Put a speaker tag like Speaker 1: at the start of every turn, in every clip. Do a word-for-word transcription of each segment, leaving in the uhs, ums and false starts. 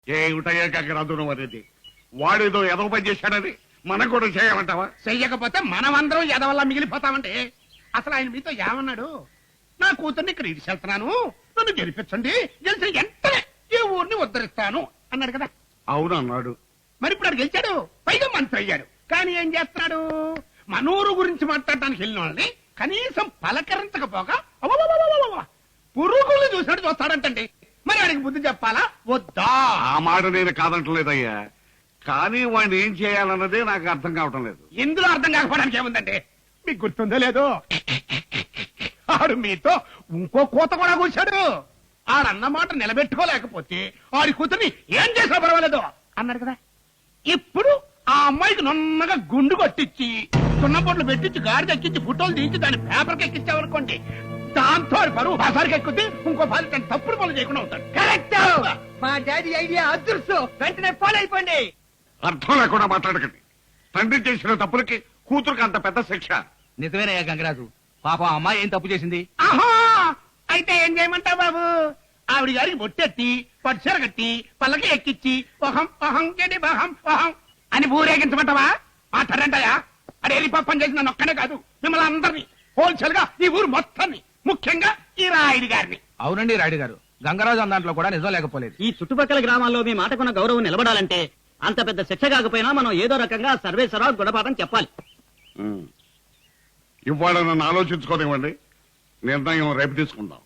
Speaker 1: ఏమిటయ్యా గంగరాజు అనేది వాడేదో ఎదవ పని చేశాడని మనం కూడా చేయమంటావా?
Speaker 2: చెయ్యకపోతే మనమందరం ఎదవల్ల మిగిలిపోతామంటే అసలు ఆయన మీతో ఏమన్నాడు? నా కూతుర్ని ఇక్కడ ఇడిచెళ్తున్నాను, నన్ను గెలిపించండి, గెలిచిన వెంటనే ఈ ఊరిని ఉద్ధరిస్తాను అన్నాడు కదా.
Speaker 1: అవును అన్నాడు.
Speaker 2: మరి ఇప్పుడు అది గెలిచాడు, పైగా మంత్రి అయ్యాడు. కానీ ఏం చేస్తున్నాడు? మనూరు గురించి మాట్లాడటానికి వెళ్ళిన వాళ్ళని కనీసం పలకరించకపోగా అవ్వవ్వవ్వవ్వవ్వ పురుగులు చూసినట్టు చూస్తాడంటండి. మరి వాడికి బుద్ధి చెప్పాలా వద్దా?
Speaker 1: ఆ మాట నేను కాదంటలేదయ్యా, కానీ వాడిని ఏం చేయాలన్నదే నాకు అర్థం కావటం లేదు.
Speaker 2: ఇందులో అర్థం కాకపోవడానికి ఏముందండి? మీకు గుర్తుందో లేదో, ఆడు మీతో ఇంకో కోత కూడా కూర్చాడు. ఆడన్న మాట నిలబెట్టుకోలేకపోతే ఆడి కూతుర్ని ఏం చేసినా పర్వాలేదు అన్నాడు కదా. ఇప్పుడు ఆ అమ్మాయికి నున్నగా గుండు కొట్టించి సున్నపొట్లు పెట్టించి గాడికి ఎక్కించి ఫోటోలు తీసి దాన్ని పేపర్కి ఎక్కించామనుకోండి, దాంతో ఆడి పరువు బజార్కి ఎక్కుద్ది, ఇంకో పది తప్పుడు పనులు చేయకుండా ఉంటాడు.
Speaker 3: కరెక్ట్. మా డాడీ ఐడియా అదృష్టం. వెంటనే ఫాలో అయిపోండి.
Speaker 1: అర్థం లేకుండా మాట్లాడకండి. తండ్రి చేసిన తప్పులకి కూతురుకి అంత పెద్ద శిక్ష.
Speaker 4: నిజమేనయ్యా గంగరాజు, పాప అమ్మాయి ఏం తప్పు చేసింది?
Speaker 2: ఆహా, అయితే ఏం చేయమంటావు బాబు? ఆవిడ గారికి బొట్టెత్తి పట్టుచీర కట్టి పల్లకి ఎక్కిచ్చి ఒహం ఒహం గడి బహం ఒహం అని ఊరేగించమంటావా? మాట్లాడంటాయా? అడే పని చేసిన నన్ను ఒక్కనే కాదు, మిమ్మల్ని అందరినీ, హోల్సేల్ గా ఈ ఊరు మొత్తాన్ని, ముఖ్యంగా ఈ రాయుడి గారిని.
Speaker 4: అవునండి రాయుడు గారు, గంగరాజు అన్న కూడా నిజం లేకపోలేదు.
Speaker 5: ఈ చుట్టుపక్కల గ్రామాల్లో మీ మాటకున్న గౌరవం నిలబడాలంటే అంత పెద్ద శిక్ష కాకపోయినా మనం ఏదో రకంగా సర్వేశ్వరరావు గుణపాఠం చెప్పాలి.
Speaker 1: ఉమ్. ఇవాళ నన్ను ఆలోచించుకోనివ్వండి, నిర్ణయం రేపు తీసుకుందాం.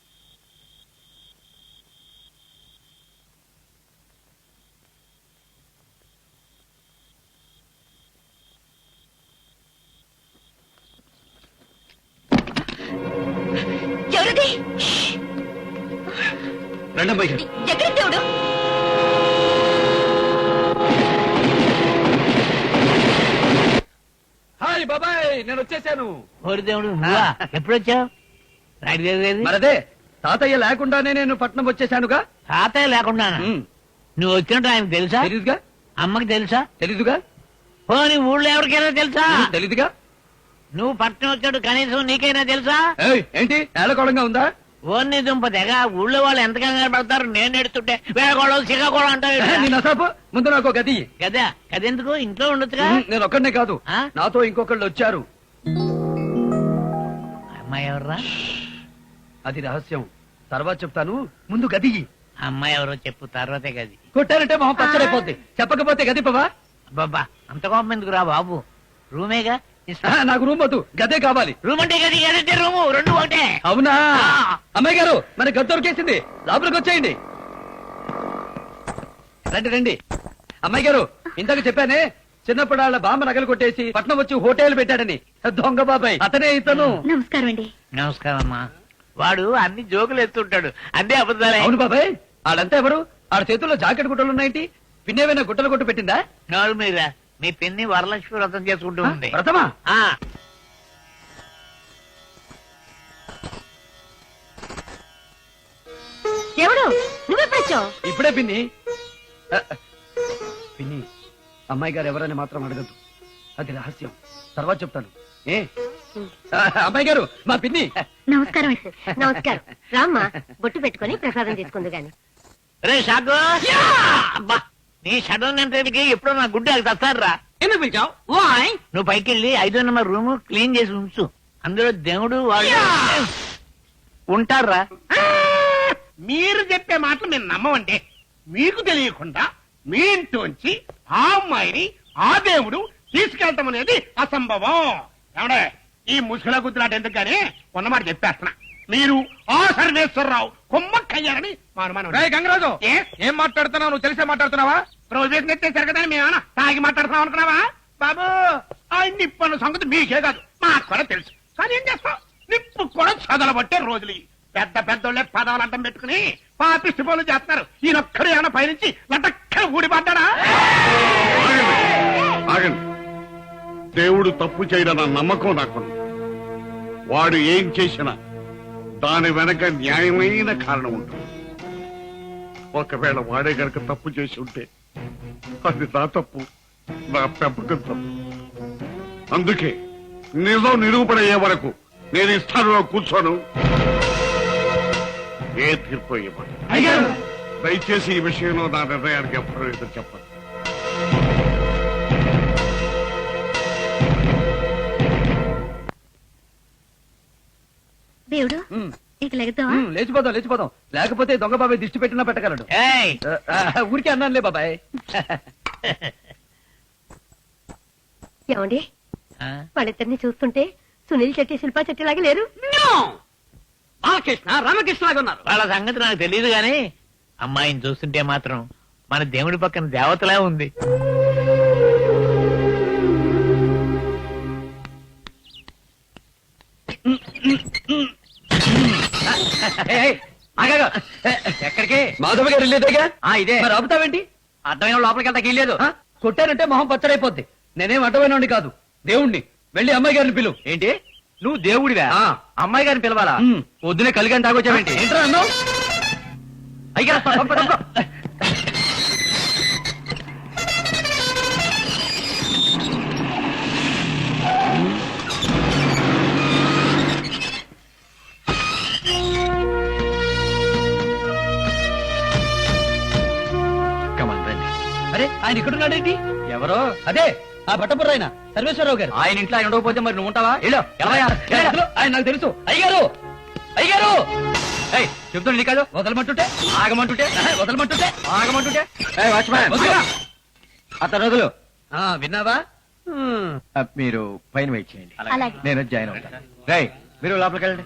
Speaker 6: ఎవరది?
Speaker 4: రెండమ్మాయి
Speaker 6: ఎక్కడ దేవుడు?
Speaker 4: హాయ్ బాబాయ్, నేను వచ్చేసాను.
Speaker 3: ఓరి దేవుడు, నువ్వా? ఎప్పుడొచ్చావు? రాయుడు గారు
Speaker 4: మరదే తాతయ్య లేకుండానే నేను పట్నం వచ్చేసానుగా.
Speaker 3: తాతయ్య లేకుండా నువ్వు వచ్చినట్టు ఆయనకు తెలుసా?
Speaker 4: తెలీదుగా.
Speaker 3: అమ్మకి తెలుసా?
Speaker 4: తెలీదుగా.
Speaker 3: పోనీ ఊళ్ళో ఎవరికైనా తెలుసా?
Speaker 4: తెలీదుగా.
Speaker 3: నువ్వు పట్నం వచ్చాడు కనీసం నీకైనా తెలుసా?
Speaker 4: ఏయ్, ఏంటి ఏళ్ళకోళంగా ఉందా?
Speaker 3: ఓన్ని దుంప తెగ ఊళ్ళో వాళ్ళు ఎంత కంగారు పడతారు. నేను ఎడుతుంటే వేళకోళం సిగకోళం అంటారు.
Speaker 4: నేను అసాపు ముందు నాకు గది.
Speaker 3: కదా కదెందుకు ఇంట్లో ఉండొచ్చుగా.
Speaker 4: నేను ఒక్కడనే కాదు,
Speaker 3: ఆ?
Speaker 4: నాతో ఇంకొకళ్ళు వచ్చారు.
Speaker 3: అమ్మాయి ఎవర్రా?
Speaker 4: అది రహస్యం, తర్వాత చెప్తాను. ముందు గది.
Speaker 3: అమ్మాయి ఎవరో చెప్పు, తర్వాతే గది.
Speaker 4: కొట్టారంటే మొహం పచ్చడైపోద్ది, చెప్పకపోతే గది పవా.
Speaker 3: బాబా అంత కోపం ఎందుకు రా బాబు, రూమేగా.
Speaker 4: ఆ, నాకు రూమ్ వద్దు, గదే కావాలి.
Speaker 3: రూమ్ అంటే గది, గదంటే రూము, రెండు ఒకటే.
Speaker 4: అవునా?
Speaker 3: ఆ.
Speaker 4: అమ్మాయి గారు, మన గది దొరికేసింది, లోపలికి వచ్చేయండి. రండి రండి. అమ్మాయి గారు, ఇందాక చెప్పానే చిన్నప్పుడు వాళ్ళ బామ్మ నగలు కొట్టేసి పట్నం వచ్చి హోటల్ పెట్టాడని, దొంగ బాబాయ్ అతనే ఇతను.
Speaker 6: నమస్కారం అండి.
Speaker 3: నమస్కారం అమ్మా. వాడు అన్ని జోకులు ఎత్తుంటాడు, అదే అబద్ధాలే.
Speaker 4: అవును బాబాయ్, వాళ్ళంతా ఎవరు? ఆడ చేతుల్లో జాకెట్ గుట్టలు ఉన్నాయేంటి? పిన్నేమైనా గుట్టలు కొట్టు పెట్టిందా?
Speaker 3: నోరు మీద మీ పిన్ని వరలక్ష్మి వ్రతం చేసుకుంటూ ఉంది.
Speaker 4: వ్రతమా?
Speaker 3: ఆ
Speaker 6: ఎవడు? నువ్వెప్పుడొచ్చావు?
Speaker 4: ఇప్పుడే పిన్ని. ఆ, పిన్ని, అమ్మాయి గారు ఎవరని మాత్రం అడగద్దు, అది రహస్యం, తర్వాత చెప్తాను. ఏ ఆ, అమ్మాయి గారు, మా పిన్ని.
Speaker 6: నమస్కారం. నమస్కారం. రామ్మా, బొట్టు పెట్టుకుని ప్రసాదం తీసుకుందు గాని.
Speaker 3: రే షాకు, అబ్బా నీ షడన్ అంటే ఎప్పుడో నా గుడ్డ తస్తారా.
Speaker 5: ఎందుకు పిలిచావు?
Speaker 3: నువ్వు పైకి వెళ్ళి ఐదో నెంబర్ రూమ్ క్లీన్ చేసి ఉంచు, అందులో దేవుడు వాళ్ళు ఉంటారా.
Speaker 2: మీరు చెప్పే మాటలు మేము నమ్మమంటే, మీకు తెలియకుండా మీ ఇంట్లోంచి ఆ అమ్మాయిని ఆ దేవుడు తీసుకెళ్తాం అనేది అసంభవం. ఏమండే, ఈ ముసుగుల గుద్దులాట ఎందుకు గానీ ఉన్నమాట చెప్పేస్తున్నా, మీరు ఆ సర్వేశ్వరరావు కొమ్మక్కయ్యారని మా అనుమానం.
Speaker 4: గంగరాజు,
Speaker 2: ఏ?
Speaker 4: ఏం మాట్లాడుతున్నావు? నువ్వు తెలిసే మాట్లాడుతున్నావా?
Speaker 2: రోజు నెత్తేసారు కదా, మేమేమన్నా తాగి మాట్లాడుతున్నాం అనుకున్నావా? బాబు, ఆ నిప్పు అన్న సంగతి మీకే కాదు మాకు కూడా తెలుసు. కానీ ఏం చేస్తాం, నిప్పు కూడా చదలబట్టే రోజులు ఇవి. పెద్ద పెద్దోళ్ళే పదాలు అడ్డం పెట్టుకుని పాపిష్టి పనులు చేస్తున్నారు. ఈయనొక్కడు ఏమైనా పైనుంచి లటక్కన ఊడిపడ్డా?
Speaker 1: ఆగండి. దేవుడు తప్పు చేయడన్న నమ్మకం నాకుంది. వాడు ఏం చేసినా దాని వెనక న్యాయమైన కారణం ఉంటుంది. ఒకవేళ వాడే గనక తప్పు చేసి ఉంటే అది నా తప్పు, నా పెంపకం తప్పు. అందుకే నిజం నిరూపణయ్యే వరకు నేను ఈ స్థానంలో కూర్చోను. ఏ తీర్పు ఇవ్వను.
Speaker 4: అయ్యారు
Speaker 1: దయచేసి ఈ విషయంలో నా నిర్ణయానికి ఎప్పుడూ ఎదురు చెప్పండి.
Speaker 6: దేవుడు
Speaker 4: ఉమ్,
Speaker 6: ఇక లెగతావా
Speaker 4: ఉమ్, లేచిపోదాం లేచిపోదాం లేకపోతే దొంగ బాబాయ్ దిష్టి పెట్టినా పెట్టగలడు.
Speaker 3: ఏయ్
Speaker 4: ఆ, ఆ, ఊరికే అన్నానులే బాబాయ్.
Speaker 6: ఏమండి
Speaker 3: ఆ?
Speaker 6: వాళ్ళిద్దరిని చూస్తుంటే సునీల్ చెట్టి శిల్పా చెట్టి లాగా లేరు
Speaker 5: బాలకృష్ణ రామకృష్ణ లాగా ఉన్నారు.
Speaker 3: వాళ్ళ సంగతి నాకు తెలియదు గాని అమ్మాయిని చూస్తుంటే మాత్రం మన దేవుడి పక్కన దేవతలా ఉంది.
Speaker 5: ఏయ్, ఏయ్, ఆగాగు. ఎక్కడికి?
Speaker 4: మాధవ గారు వెళ్ళేదేగా
Speaker 5: ఆ ఇదే
Speaker 4: మరి ఆపుతావేంటి?
Speaker 5: అర్థమైన లోపలికి వెళ్తాకి వెళ్ళలేదు.
Speaker 4: ఆ, కొట్టానంటే మొహం పచ్చడైపోద్ది. నేనేం అడ్డమైనోడిని కాదు, దేవుణ్ణి. వెళ్ళి అమ్మాయి గారిని పిలువు.
Speaker 5: ఏంటి నువ్వు దేవుడివా?
Speaker 4: ఆ.
Speaker 5: అమ్మాయి గారిని పిలవాలా?
Speaker 4: ఉమ్.
Speaker 5: పొద్దునే కలిగాని తాగొచ్చావేంటి?
Speaker 4: ఏంట్రా అన్నావు?
Speaker 5: అయ్యా తప్ప, తప్ప.
Speaker 4: అరే ఆయన ఇక్కడున్నాడేంటి?
Speaker 5: ఎవరో
Speaker 4: అదే ఆ బట్టపుర్ర ఆయన సర్వేశ్వరరావు గారు.
Speaker 5: ఆయన ఇంట్లో ఆయన ఉండకపోతే మరి నువ్వు ఉంటావా? వెళ్ళు, వెళ్ళవయ్యా,
Speaker 4: ఏ,
Speaker 5: వెళ్ళు.
Speaker 4: అసలు ఆయన నాకు తెలుసు. అయ్యారు అయ్యారు
Speaker 5: ఏయ్, చెప్తుండే నీ కాదు.
Speaker 4: వదలమంటుంటే
Speaker 5: ఆగమంటుంటే
Speaker 4: ఆహా, వదలమంటుంటే
Speaker 5: ఆగమంటుంటే
Speaker 4: వదలు.
Speaker 5: అతను రోజులు
Speaker 4: ఆ, విన్నావా? హ్మ్.
Speaker 5: మీరు పైన వెయిట్ చేయండి.
Speaker 6: అలాగే.
Speaker 5: నేను జాయిన్ అవుతాను. రై మీరు లోపలికి వెళ్ళండి.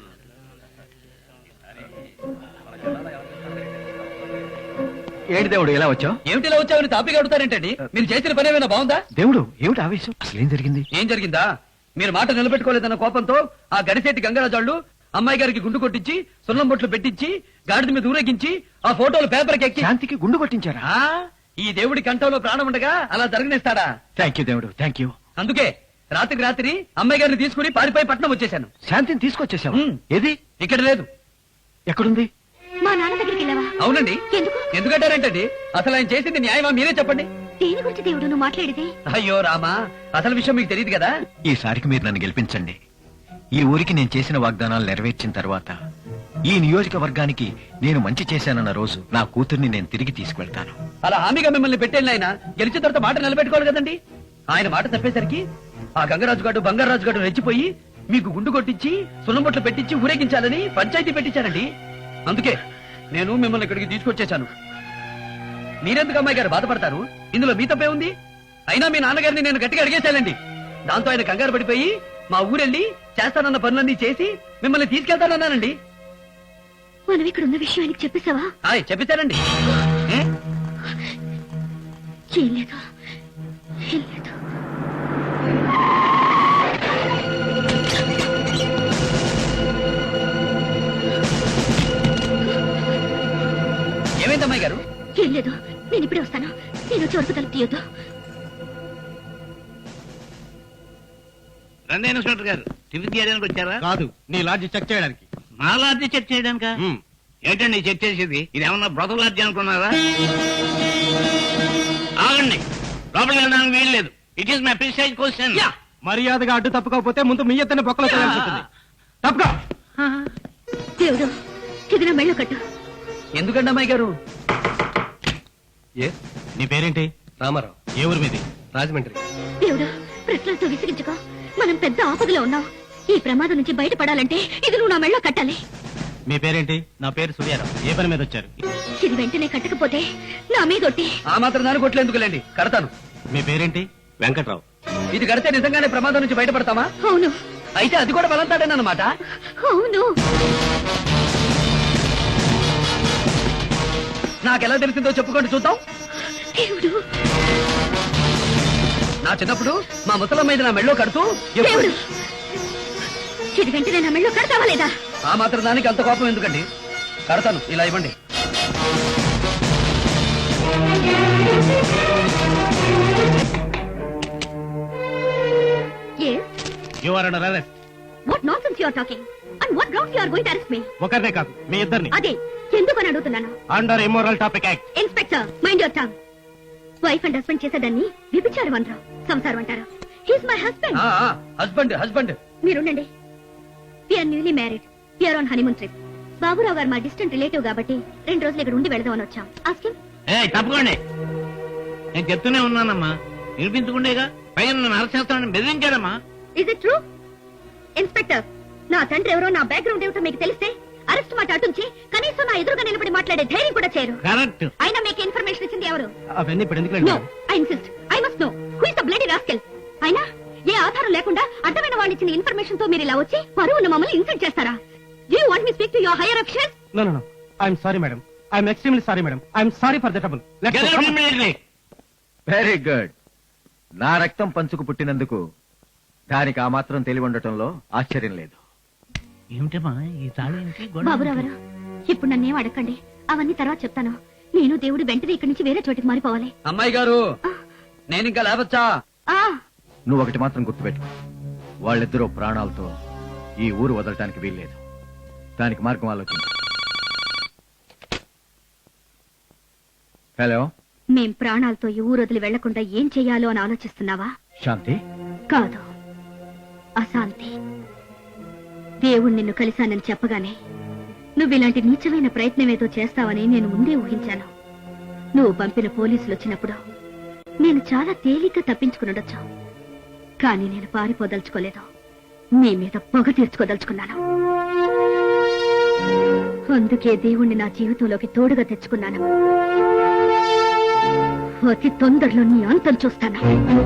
Speaker 5: ఏంటి దేవుడు ఇలా వచ్చావు?
Speaker 4: ఏమిటిలా వచ్చావని తాపిగా అడుగుతారేంటండి? మీరు చేసిన పని ఏమైనా బాగుందా?
Speaker 5: దేవుడు ఏమిటి ఆవేశం? అసలు ఏం జరిగింది?
Speaker 4: ఏం జరిగిందా? మీరు మాట నిలబెట్టుకోలేదన్న కోపంతో ఆ గడిసేటి గంగరాజాళ్ళు అమ్మాయి గారికి గుండు కొట్టించి సున్నం బొట్లు పెట్టించి గాడిద మీద ఊరేగించి ఆ ఫోటోలు పేపర్కి ఎక్కి
Speaker 5: శాంతికి గుండు కొట్టించారా?
Speaker 4: ఆ, ఈ దేవుడి కంఠంలో ప్రాణం ఉండగా అలా జరగనిస్తాడా?
Speaker 5: థ్యాంక్ యూ దేవుడు, థ్యాంక్ యూ.
Speaker 4: అందుకే రాత్రికి రాత్రి అమ్మాయి గారిని తీసుకుని పారిపోయి పట్నం వచ్చేసాను.
Speaker 5: శాంతిని తీసుకొచ్చేసావా?
Speaker 4: ఉమ్.
Speaker 5: ఏది?
Speaker 4: ఇక్కడ లేదు.
Speaker 5: ఎక్కడుంది?
Speaker 6: మా నాన్న దగ్గరికి వెళ్ళావా
Speaker 4: అవునండి.
Speaker 6: ఎందుకు
Speaker 4: ఎందుకంటారేంటండి? అసలు ఆయన చేసింది న్యాయమా? మీరే చెప్పండి.
Speaker 6: దేని గురించి దేవుడు నువ్వు మాట్లాడేది
Speaker 4: అయ్యో రామా, అసలు విషయం మీకు తెలియదు కదా.
Speaker 7: ఈసారికి మీరు నన్ను గెలిపించండి. ఈ ఊరికి నేను చేసిన వాగ్దానాలు నెరవేర్చిన తర్వాత ఈ నియోజకవర్గానికి నేను మంచి చేశానన్న రోజు నా కూతుర్ని నేను తిరిగి తీసుకువెళ్తాను.
Speaker 4: అలా హామీగా మిమ్మల్ని పెట్టేళ్ళి ఆయన గెలిచిన తర్వాత మాట నిలబెట్టుకోవాలి కదండి. ఆయన మాట తప్పేసరికి ఆ గంగరాజు గారు బంగారాజు గారు రెచ్చిపోయి మీకు గుండు కొట్టించి సున్నంబొట్లు పెట్టించి ఊరేగించాలని పంచాయతీ పెట్టించారండి. అందుకే నేను మిమ్మల్ని ఇక్కడికి తీసుకొచ్చేశాను. మీరెందుకు అమ్మాయి గారు బాధపడతారు? ఇందులో మీ తప్పే ఉంది. అయినా మీ నాన్నగారిని నేను గట్టిగా అడిగేశానండి. దాంతో ఆయన కంగారు పడిపోయి మా ఊరెళ్ళి చేస్తానన్న పనులన్నీ చేసి మిమ్మల్ని తీసుకెళ్తానన్నానండి.
Speaker 6: మనం ఇక్కడ ఉన్న విషయం ఆయనకి చెప్పేశావా
Speaker 4: ఆయ్ చెప్పేశానండి. ఏ?
Speaker 6: ఏం లేదు ఏం లేదు
Speaker 4: ఏమైంది అమ్మాయి గారు?
Speaker 6: ఏం లేదు నేను ఇప్పుడే వస్తాను. నేను వచ్చి వరకు తలుపు తీయొద్దు.
Speaker 3: రండి ఇన్స్పెక్టర్ గారు, టిఫిన్ చేయడానికి వచ్చారా?
Speaker 2: కాదు, నీ లాడ్జి చెక్ చేయడానికి.
Speaker 3: మా లాడ్జి చెక్ చేయడానికా? ఏంటండి చెక్ చేసేది? ఇది ఏమన్నా బ్రదర్ లాడ్జి అనుకున్నారా? ఆగండి, లోపలికి వెళ్ళడానికి వీలు లేదు. It is my precise question.
Speaker 2: మర్యాదగా అడ్డు తప్పుకోకపోతే ముందు మీ ఎత్తని బొక్కలో చేయాల్సి ఉంటుంది. తప్పుకో.
Speaker 6: దేవుడు ఇది నా మెళ్ళో కట్టు.
Speaker 4: ఎందుకండి అమ్మాయి గారు?
Speaker 2: నీ పేరేంటి?
Speaker 4: రామారావు.
Speaker 2: ఏ ఊరు మీది?
Speaker 4: రాజమండ్రి.
Speaker 6: దేవుడు ప్రశ్నలతో విసిగించుకో. మనం పెద్ద ఆపదలో ఉన్నాం. ఈ ప్రమాదం నుంచి బయటపడాలంటే ఇది నువ్వు నా మెళ్ళో కట్టాలి.
Speaker 2: మీ పేరేంటి? నా పేరు సూర్యారావు. ఏ పని మీద వచ్చారు?
Speaker 6: ఇది వెంటనే కట్టకపోతే నా మీద ఒట్టి.
Speaker 4: ఆ మాత్రం దాని కొట్లేందుకులేండి, కడతాను.
Speaker 2: మీ పేరేంటి? వెంకట్రావు.
Speaker 4: ఇది కడితే నిజంగానే ప్రమాదం నుంచి బయటపడతామా?
Speaker 6: అవును
Speaker 4: అయితే అది కూడా బలంతాడేనమాట.
Speaker 6: అవును
Speaker 4: నాకెలా తెలిసిందో చెప్పుకోండి చూద్దాం.
Speaker 6: దేవుడు
Speaker 4: నా చిన్నప్పుడు మా ముసలమ్మ మీద నా మెళ్ళో కడుతూ ఎప్పుడు-
Speaker 6: దేవుడు ఇది వెంటనే నా మెళ్ళో కడతావా లేదా?
Speaker 4: ఆ మాత్రం దానికి అంత కోపం ఎందుకండి? కడతాను, ఇలా ఇవ్వండి.
Speaker 6: Yes.
Speaker 2: You are under arrest.
Speaker 6: What nonsense you are talking? And what grounds you are going to arrest me?
Speaker 2: ఒకరినే కాదు, మీ ఇద్దరిని.
Speaker 6: అదే ఎందుకని అడుగుతున్నాను.
Speaker 2: Under immoral topic act.
Speaker 6: Inspector mind your tongue. Wife and husband చేసేదాన్ని విభిచారం అంటారు, సంసారం అంటారు. He's my husband.
Speaker 4: Husband husband
Speaker 6: మీరుండండి. We are newly married. We are on honeymoon trip. Baburao గారు మా డిస్టెంట్ రిలేటివ్ కాబట్టి రెండు రోజులు ఇక్కడ ఉండి వెళదామని వచ్చాం. ఆస్కిన్
Speaker 3: ఏ తప్పుకోండి, నేను చెప్తూనే ఉన్నానమ్మా, వినిపించుకుండేగా. పైన నన్ను అరెస్ట్ చేస్తానని బెదిరించాడమ్మా.
Speaker 6: Is it true? ఇన్స్పెక్టర్, నా తండ్రి ఎవరో నా బ్యాక్గ్రౌండ్ ఏమిటో మీకు తెలిస్తే అరెస్ట్ మాట అటుంచి కనీసం నా ఎదురుగా నిలబడి మాట్లాడే ధైర్యం కూడా చేయరు.
Speaker 3: కరెక్ట్.
Speaker 6: అయినా మీకు ఇన్ఫర్మేషన్ ఇచ్చింది ఎవరు?
Speaker 5: అవన్నీ ఇప్పుడు ఎందుకు
Speaker 6: no, I insist, I must know who is the bloody rascal. అయినా ఏ ఆధారం లేకుండా అడ్డమైన వాళ్ళు ఇచ్చిన ఇన్ఫర్మేషన్ తో మీరు ఇలా వచ్చి పరువును మమ్మల్ని ఇన్సల్ట్ చేస్తారా? Do you want me speak to your higher officers?
Speaker 5: No no no, I'm sorry madam, I'm extremely sorry madam, I'm sorry for the trouble.
Speaker 3: Get out immediately.
Speaker 7: Very good. నా రక్తం పంచుకు పుట్టినందుకు దానికి ఆ మాత్రం తెలివి ఉండటంలో ఆశ్చర్యం లేదు.
Speaker 3: ఏమిటమ్మా ఈ తాళి ఏంటి? గొడవ
Speaker 6: బాబురావు గారు, ఇప్పుడు నన్నేం అడగండి, అవన్నీ తర్వాత చెప్తాను. నేను దేవుడు వెంటనే ఇక్కడి నుంచి వేరే చోటికి మారిపోవాలి.
Speaker 4: అమ్మాయి గారు, నేను ఇంకా లేవచ్చా?
Speaker 6: ఆ
Speaker 7: నువ్వు ఒకటి మాత్రం గుర్తుపెట్టుకో, వాళ్ళిద్దరూ ప్రాణాలతో ఈ ఊరు వదలటానికి వీల్లేదు. దానికి మార్గం ఆలోచించు. హలో,
Speaker 6: మేం ప్రాణాలతో ఈ ఊరు వదిలి వెళ్లకుండా ఏం చెయ్యాలో అని ఆలోచిస్తున్నావా?
Speaker 7: శాంతి.
Speaker 6: కాదు, అశాంతి. దేవుడు నిన్ను కలిశానని చెప్పగానే నువ్వు ఇలాంటి నీచమైన ప్రయత్నమేదో చేస్తావని నేను ముందే ఊహించాను. నువ్వు పంపిన పోలీసులు వచ్చినప్పుడు నేను చాలా తేలిగ్గా తప్పించుకునుండొచ్చు, కానీ నేను పారిపోదలుచుకోలేదు. నీ మీద పొగ తీర్చుకోదలుచుకున్నాను. అందుకే దేవుణ్ణి నా జీవితంలోకి తోడుగా తెచ్చుకున్నాను. అతి తొందరలో నీ అంతం చూస్తాను.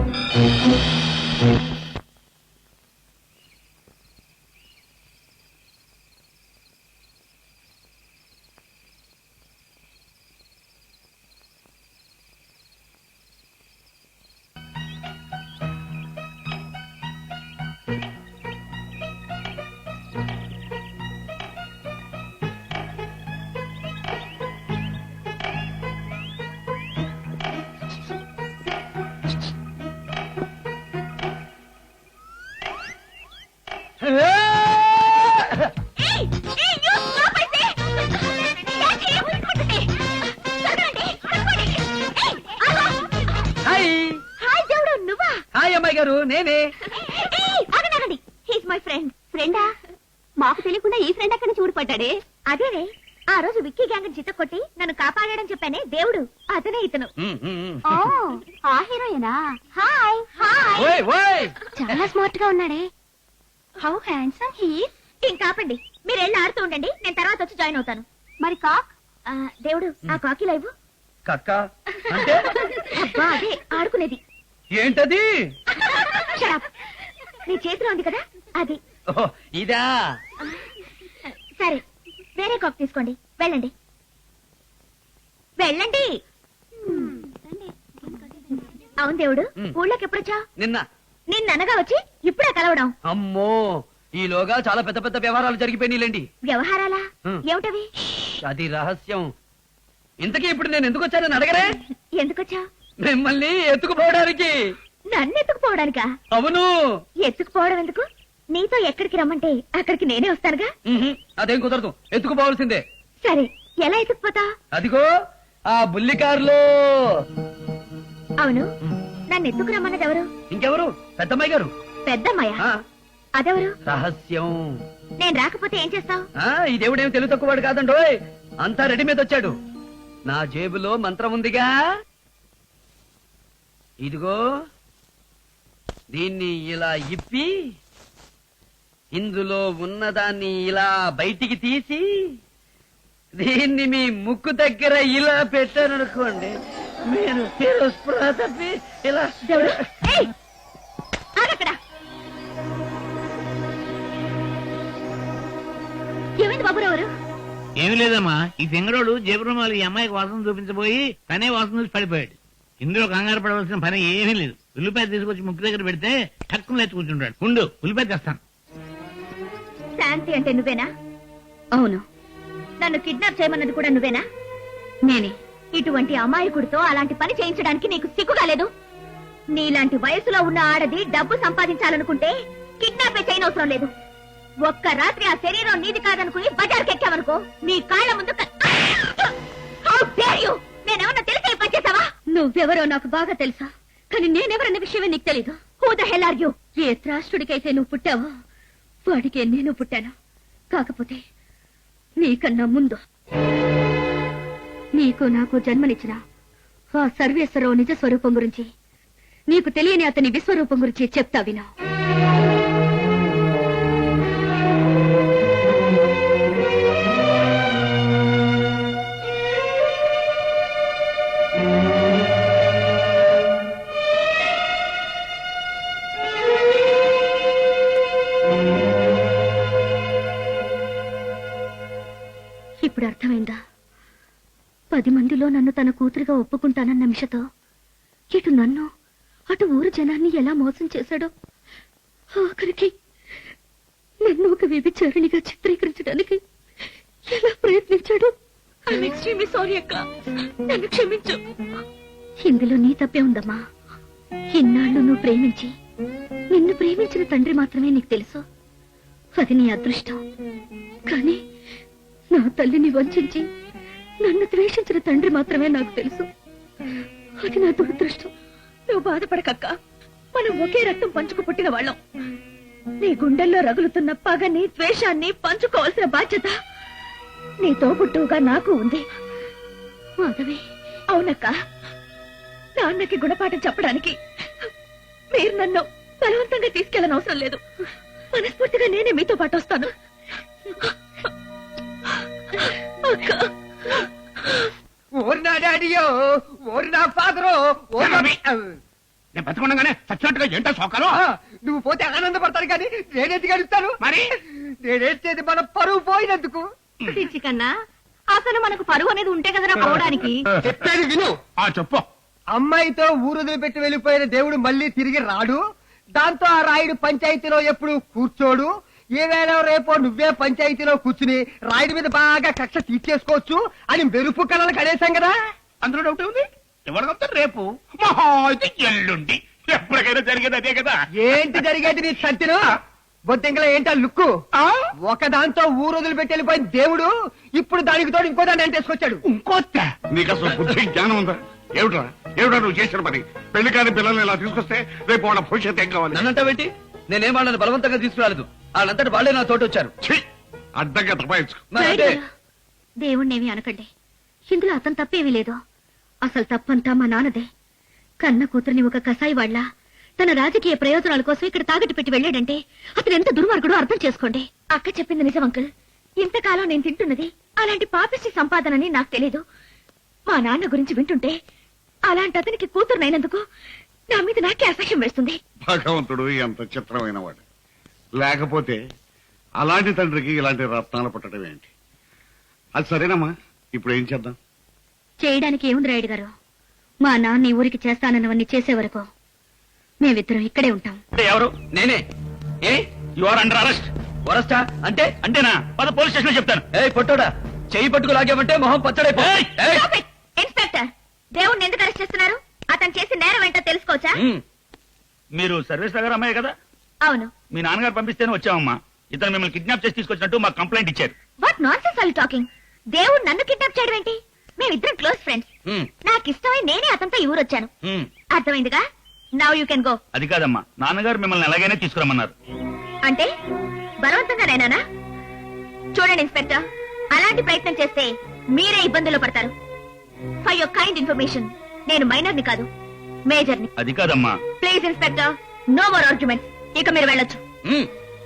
Speaker 4: హాయ్.
Speaker 6: హాయ్ దేవుడు, నువ్వా?
Speaker 4: హాయ్ అమ్మాయి గారు, నేనే.
Speaker 6: He's my friend. ఫ్రెండా? మాకు తెలియకుండా ఈ ఫ్రెండ్ అక్కడి నుంచి ఊడిపడ్డాడే. అదేనే ఆ రోజు విక్కీ గ్యాంగ్ చిత్త కొట్టి నన్ను కాపాడాడని చెప్పానే దేవుడు, అతనే ఇతను. ఓ, ఆ హీరోయేనా? Hi hi.
Speaker 4: ఓయ్ ఓయ్.
Speaker 6: చాలా స్మార్ట్ గా ఉన్నాడే. How handsome he. ఇంకాపండి, మీరు వెళ్ళి ఆడుతూ ఉండండి, నేను తర్వాత వచ్చి జాయిన్ అవుతాను. మరి కాక్? ఆ, దేవుడు, ఆ కాకి లైవ్.
Speaker 4: కక్క అంటే
Speaker 6: అబ్బా, అదే ఆడుకునేది.
Speaker 4: ఏంటది?
Speaker 6: Shut up. నీ చేతిలో ఉంది కదా అది.
Speaker 4: ఓహో, ఇదా?
Speaker 6: సరే, వేరే కాక్ తీసుకోండి, వెళ్ళండి వెళ్ళండి. అవును దేవుడు,
Speaker 4: మ్.
Speaker 6: ఊళ్ళోకి ఎప్పుడొచ్చా?
Speaker 4: నిన్న.
Speaker 6: నిన్ననగా వచ్చి ఇప్పుడే కలవడం.
Speaker 4: అమ్మో, ఈలోగా చాలా పెద్ద పెద్ద వ్యవహారాలు జరిగిపోయినాయిలేండి.
Speaker 6: వ్యవహారాలా?
Speaker 4: మ్.
Speaker 6: ఏమిటవి?
Speaker 4: ష్, అది రహస్యం. ఇంతకీ ఇప్పుడు నేను ఎందుకు వచ్చానని అడగరే?
Speaker 6: ఎందుకొచ్చా?
Speaker 4: మిమ్మల్ని ఎత్తుకుపోవడానికి.
Speaker 6: నన్ను ఎత్తుకుపోవడానికా?
Speaker 4: అవును.
Speaker 6: ఎత్తుకుపోవడం ఎందుకు? నీతో ఎక్కడికి రమ్మంటే అక్కడికి నేనే వస్తానుగా.
Speaker 4: ఉహుం, అదేం కుదరదు, ఎత్తుకుపోవాల్సిందే.
Speaker 6: సరే, ఎలా ఎత్తుకుపోతా?
Speaker 4: అదిగో ఆ బుల్లి కారులో.
Speaker 6: అవును, నన్ను ఎత్తుకు రమ్మన్నది ఎవరు?
Speaker 4: ఇంకెవరు? పెద్దమ్మాయి గారు.
Speaker 6: పెద్దమ్మాయ?
Speaker 4: ఆ,
Speaker 6: అదెవరు?
Speaker 4: రహస్యం.
Speaker 6: నేను రాకపోతే ఏం చేస్తావు?
Speaker 4: ఆ, ఈ దేవుడేం తెలుగు తక్కువవాడు కాదండోయ్, అంతా రెడీ మీద వచ్చాడు. నా జేబులో మంత్రం ఉందిగా, ఇదిగో దీన్ని ఇలా ఇప్పి ఇందులో ఉన్నదాన్ని ఇలా బయటికి తీసి దీన్ని మీ ముక్కు దగ్గర ఇలా పెట్టారనుకోండి, మీరు మీరు స్పృహ తప్పి ఇలా.
Speaker 6: దేవుడు, ఏయ్! ఆగక్కడ. ఏమైంది బాబురావు గారు?
Speaker 3: ఏమి లేదమ్మా, ఈ ఫింగరోడు జేబురుమాలు ఈ అమ్మాయికి వాసన చూపించబోయి తనే వాసన చూసి పడిపోయాడు. ఇందులో కంగారు పడవలసిన పని ఏమీ లేదు. ఉల్లిపాయ తీసుకొచ్చి ముక్కు దగ్గర పెడితే టక్కున లేచి కూర్చుంటాడు. ఉండు, ఉల్లిపాయ తెస్తాను.
Speaker 6: శాంతి అంటే నువ్వేనా? అవును. నన్ను కిడ్నాప్ చేయమన్నది కూడా నువ్వేనా? నేనే. ఇటువంటి అమాయకుడితో అలాంటి పని చేయించడానికి నీకు సిగ్గుగా లేదు? నీలాంటి వయసులో ఉన్న ఆడది డబ్బు సంపాదించాలనుకుంటే కిడ్నాపే చేయనవసరం లేదు. ఒక్క రాత్రి ఆ శరీరం నీది కాదనుకుని బజార్కి ఎక్కావనుకో, నీ కాళ్ళ ముందు క- How dare you! నేనేమన్నా తెలిసే పనిచేసావా? నువ్వెవరో నాకు బాగా తెలుసా, కానీ నేనెవరన్న విషయమే నీకు తెలీదు. Who the hell are you? ఏ త్రాష్టుడికైతే నువ్వు పుట్టావో వాడికే నేను పుట్టాను. కాకపోతే నీకన్నా ముందు నీకు నాకు జన్మనిచ్చిన ఆ సర్వేశ్వరరావు నిజ స్వరూపం గురించి నీకు తెలియని అతని విశ్వరూపం గురించి చెప్తా విను. ఇప్పుడు అర్థమైందా? పది మందిలో నన్ను తన కూతురుగా ఒప్పుకుంటానన్న నిమిషతో ఇటు నన్ను అటు ఊరు జనాన్ని ఎలా మోసం చేశాడో, ఆఖరికి నన్ను ఒక వ్యభిచారిణిగా చిత్రీకరించడానికి ఎలా ప్రయత్నించాడు. సారీ అక్క, నన్ను క్షమించు. ఇందులో నీ తప్పే ఉందమ్మా. ఇన్నాళ్ళు నువ్వు ప్రేమించి నిన్ను ప్రేమించిన తండ్రి మాత్రమే నీకు తెలుసు. అది నీ అదృష్టం. కానీ నా తల్లిని వంచించి నన్ను ద్వేషించిన తండ్రి మాత్రమే నాకు తెలుసు. అది నా దురదృష్టం. నువ్వు బాధపడకక్క, మనం ఒకే రక్తం పంచుకు పుట్టిన వాళ్ళం. నీ గుండెల్లో రగులుతున్న పగని ద్వేషాన్ని పంచుకోవాల్సిన బాధ్యత నీ తోబుట్టువుగా నాకు ఉంది. మాధవి, అవునక్క, నాన్నకి గుణపాఠం చెప్పడానికి మీరు నన్ను బలవంతంగా తీసుకెళ్ళని అవసరం లేదు. మనస్ఫూర్తిగా నేనే మీతో పాటు వస్తాను. అక్క,
Speaker 2: ఓరి నా డాడీయో, ఓరి నా ఫాదరో, ఓరి నా-
Speaker 8: నేను బతుకుండగానే చచ్చినట్టుగా ఏంటో సోకాలు.
Speaker 2: ఆ, నువ్వు పోతే ఆనందపడతాను కానీ నేనెందుకు గడుస్తాను?
Speaker 8: మరి
Speaker 2: నేనేసేది మన పరువు పోయినందుకు.
Speaker 6: పిచ్చి కన్నా, అసలు మనకు పరువు అనేది ఉంటే కదరా పోవడానికి.
Speaker 2: చెప్పేది విను.
Speaker 8: ఆ చెప్పు.
Speaker 2: అమ్మాయితో ఊరుదులు పెట్టి వెళ్ళిపోయిన దేవుడు మళ్ళీ తిరిగి రాడు. దాంతో ఆ రాయుడు పంచాయతీలో ఎప్పుడు కూర్చోడు. ఏవేళ రేపో నువ్వే పంచాయతీలో కూర్చుని రాయుడి మీద బాగా కక్ష తీర్చేసుకోవచ్చు అని మెరుపు కళలు కడేశాం కదా.
Speaker 8: అందులో డౌట్ ఉంది. ఎవరికొస్తా రేపు మహా అయితే ఎల్లుండి ఎప్పటికైనా జరిగేది అదే కదా.
Speaker 2: ఏంటి జరిగేది నీ సంతిను? బొద్దింకల ఏంటా లుక్కు?
Speaker 8: ఆ?
Speaker 2: ఒక దాంతో ఊరుదులు పెట్టి వెళ్ళిపోయిన దేవుడు ఇప్పుడు దానికి తోడు ఇంకో దాన్ని అంటేసుకొచ్చాడు.
Speaker 8: ఇంకొత్త
Speaker 1: నీకు అసలు బుద్ధి జ్ఞానం ఉందా? ఏమిట్రా ఏమిటా నువ్వు చేసిన పని? పెళ్లి కాని పిల్లల్ని ఇలా తీసుకొస్తే రేపు వాళ్ళ భవిష్యత్తు ఏం కావాలి?
Speaker 4: నన్నంటావేంటి? నేనేం వాళ్ళని బలవంతంగా తీసుకురాలేదు. వాళ్ళంతటి వాళ్ళే నా తోట వచ్చారు.
Speaker 1: ఛీ! అడ్డంగా తపాయించుకో.
Speaker 4: మరి అంటే
Speaker 6: దేవుణ్ణేమి అనకండి. ఇందులో అతను తప్పేమీ లేదు. అసలు తప్పంతా మా నాన్నదే. కన్న కూతురిని ఒక కసాయి వాళ్ళ తన రాజకీయ ప్రయోజనాల కోసం ఇక్కడ తాగట్టు పెట్టి వెళ్ళాడంటే అతను ఎంత దుర్మార్గుడో అర్థం చేసుకోండి. అక్క చెప్పింది నిజం అంకుల్. ఇంతకాలం నేను తింటున్నది అలాంటి పాపిష్టి సంపాదనని నాకు తెలీదు. మా నాన్న గురించి వింటుంటే అలాంటి అతనికి కూతురునైనందుకు నా మీద నాకే అసహ్యం వేస్తుంది.
Speaker 1: భగవంతుడు ఎంత చిత్రమైన వాడు. లేకపోతే అలాంటి తండ్రికి ఇలాంటి రత్నాలు పుట్టడం ఏంటి? అది సరేనమ్మా, ఇప్పుడు ఏం చేద్దాం?
Speaker 6: చేయడానికి ఏముంది రాయుడు గారు? మా నాన్న ఈ ఊరికి చేస్తానన్నవన్నీ చేసే వరకు మేమిద్దరం ఇక్కడే ఉంటాం.
Speaker 3: అంటే ఎవరు?
Speaker 4: నేనే. ఏ
Speaker 3: యు ఆర్ అండర్ అరెస్ట్.
Speaker 4: వరస్టా అంటే?
Speaker 3: అంటేనా? పద పోలీస్ స్టేషన్ లో చెప్తాను.
Speaker 4: ఏ పొట్టోడా, చెయ్యి పట్టుకు లాగామంటే మొహం పచ్చడైపో.
Speaker 3: ఏయ్!
Speaker 4: ఏయ్!
Speaker 6: Stop it! ఇన్స్పెక్టర్, దేవుణ్ణి ఎందుకు అరెస్ట్ చేస్తున్నారు? అతను చేసిన నేరం ఏంటో తెలుసుకోవచ్చా?
Speaker 4: ఉమ్,
Speaker 3: మీరు సర్వేస్ నగర్ అమ్మాయి కదా?
Speaker 6: అవును.
Speaker 3: మీ నాన్నగారు పంపిస్తేనే వచ్చామమ్మా. ఇతను మిమ్మల్ని కిడ్నాప్ చేసి తీసుకొచ్చినట్టు మాకు కంప్లైంట్ ఇచ్చారు.
Speaker 6: What nonsense are you talking? దేవుడు నన్ను కిడ్నాప్ చేయడం ఏంటి? మేమిద్దరం క్లోజ్ ఫ్రెండ్స్.
Speaker 4: ఉమ్,
Speaker 6: నాకు ఇష్టమై నేనే అతనితో ఈ ఊరు వచ్చాను.
Speaker 4: ఉమ్.
Speaker 6: అర్థమైందిగా? Now you can go.
Speaker 3: అది కాదమ్మా, నాన్నగారు మిమ్మల్ని ఎలాగైనా తీసుకురమ్మన్నారు.
Speaker 6: అంటే బలవంతంగా నేనా? చూడండి ఇన్స్పెక్టర్, అలాంటి ప్రయత్నం చేస్తే మీరే ఇబ్బందుల్లో పడతారు. ఫర్ యువర్ కైండ్ ఇన్ఫర్మేషన్, నేను మైనర్ ని కాదు, మేజర్ ని.
Speaker 3: అది కాదమ్మా.
Speaker 6: Please inspector, no more arguments. ఇక మీరు వెళ్ళొచ్చు.
Speaker 4: ఉమ్.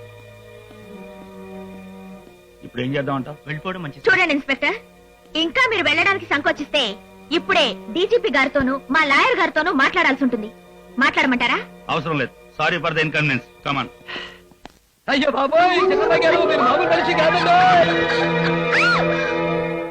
Speaker 3: ఇప్పుడు ఏం చేద్దామంటావు? వెళ్ళిపోవడం మంచిది.
Speaker 6: చూడండి ఇన్స్పెక్టర్, ఇంకా మీరు వెళ్ళడానికి సంకోచిస్తే ఇప్పుడే డీజీపీ గారితోనూ మా లాయర్ గారితోనూ మాట్లాడాల్సి ఉంటుంది. మాట్లాడమంటారా?
Speaker 3: అవసరం లేదు. Sorry for the inconvenience. Come on.
Speaker 4: అయ్యో బాబోయ్, చంద్రబాబు గారు మీరు మామూలు మనిషి కాదండి.